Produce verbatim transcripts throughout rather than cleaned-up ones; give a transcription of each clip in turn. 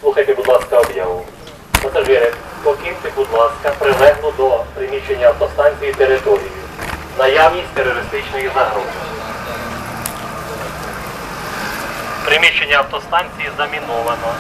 Слухайте, будь ласка, об'яву. Пасажири, покиньте, будь ласка, прилеглу до приміщення автостанції територію. Наявність терористичної загрози. Приміщення автостанції заміновано.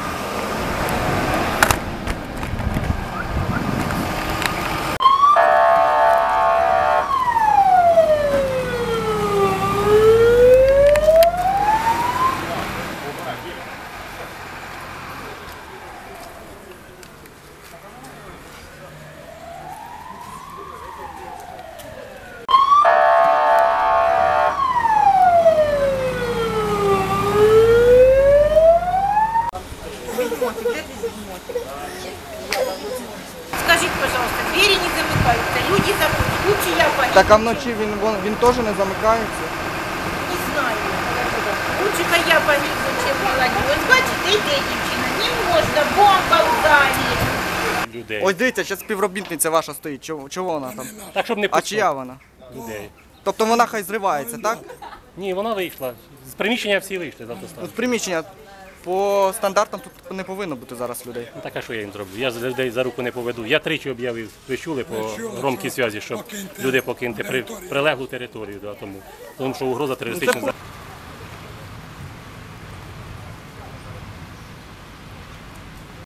Скажите, пожалуйста, двери не замыкаются, люди заходят, лучше я пойду. Так а вночі він, він, він теж не замикається? Не знаю. Лучше-ка я пойду, чем молодежь. Ось бачите, йде дівчина, не можна, бомба в залі. Людей. Ось дивіться, зараз співробітниця ваша стоїть. Чого, чого вона там? Так, щоб не А пускати чия вона? людей. Тобто вона хай зривається, так? Ні, вона вийшла. З приміщення всі вийшли з Ну, автостанції. з приміщення по стандартам тут не повинно бути зараз людей. Ну, так, а що я їм зроблю? Я з людей за руку не поведу. Я тричі об'явив, ви чули по громкій зв'язі, щоб люди покиньте при, прилеглу територію. Да, тому, тому що угроза терористична.